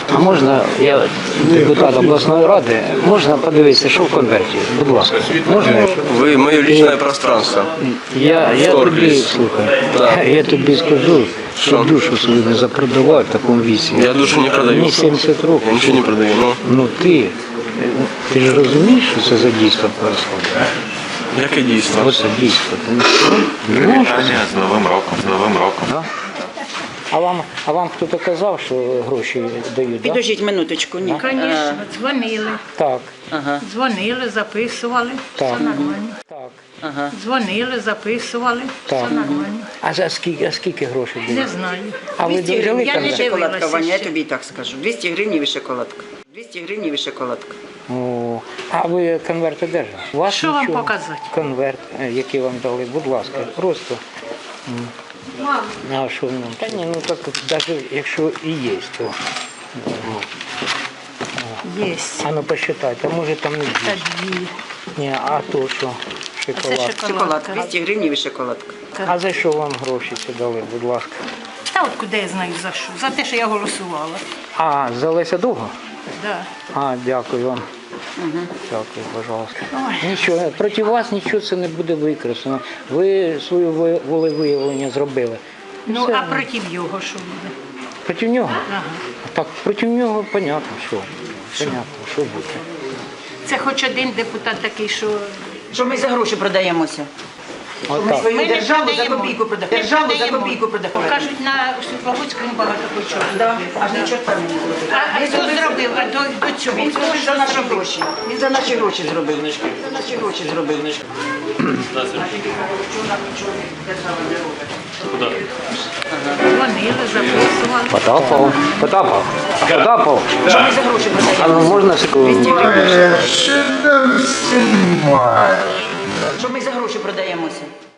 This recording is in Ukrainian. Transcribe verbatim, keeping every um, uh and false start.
А можна, я депутат обласної ради, можна подивитися, що в конверті? Будь ласка, можна? Вы мое личное пространство. Я, я тобі, слухай, Да. я тобі скажу, що душу свою не запродавай в такому віці. Я душу не продаю. Мені сімдесят років. Я ничего не продаю. Ну, Ну ти, ти ж розумієш, що це за дійство відбувається? яке дійство? Ось це дійство. Тому що, ну, Привітання з Новим роком, з Новим роком. да? А вам, а вам хтось казав, що гроші дають, так? Підождіть минуточку, ні. Звісно, дзвонили, Так, Ага, дзвонили, записували, Так. все нормально. так, ага. Дзвонили, записували, Так. все нормально. А за скільки, а скільки грошей Не дають? знаю. А ви двісті дожили гривень я там? не да? шоколадка, дивилася Ваня, я ще. тобі і так скажу. двісті гривень і шоколадка. двісті гривень і шоколадка. О, а ви конверт одержали? У вас Що вам нічого? показати? Конверт, е, який вам дали, будь ласка, просто. М. А що в ньому? Та ні, ну так навіть якщо і є, то. Є. А ну посчитайте, а може там не Та більше. дві. Ні, а то що? Це Шоколад. Шоколад. шоколадка. двісті гривень і шоколадка. А за що вам гроші це дали, будь ласка? Та от куди я знаю за що? За те, що я голосувала. А, за Леся Довго? Да. А, дякую вам. Дякую, пожалуйста. Нічого, проти вас нічого це не буде використано. Ви свою ви- волевиявлення зробили. Ну, Все. а проти його що буде? Проти нього? Ага. Так, проти нього понятно, що. Понятно, що буде. Це хоч один депутат такий, що Що ми за гроші продаємося? Ми Отак. свою Ми не державу за продаємо. копійку продаємо. Не Державу за продаємо. копійку продаємо. Кажуть, на Світловодському багато почого. Да, аж нічого там не зробив. А, а хто зробив? А до, до цього? Він Хто зробив за що наші зробив? гроші. Він за наші гроші зробив. За наші гроші зробив. Дзвонили, записували. Потапов, Потапов, Потапов. Що ми за гроші А продаємо? ну можна секунду? Що ми за гроші продаємося?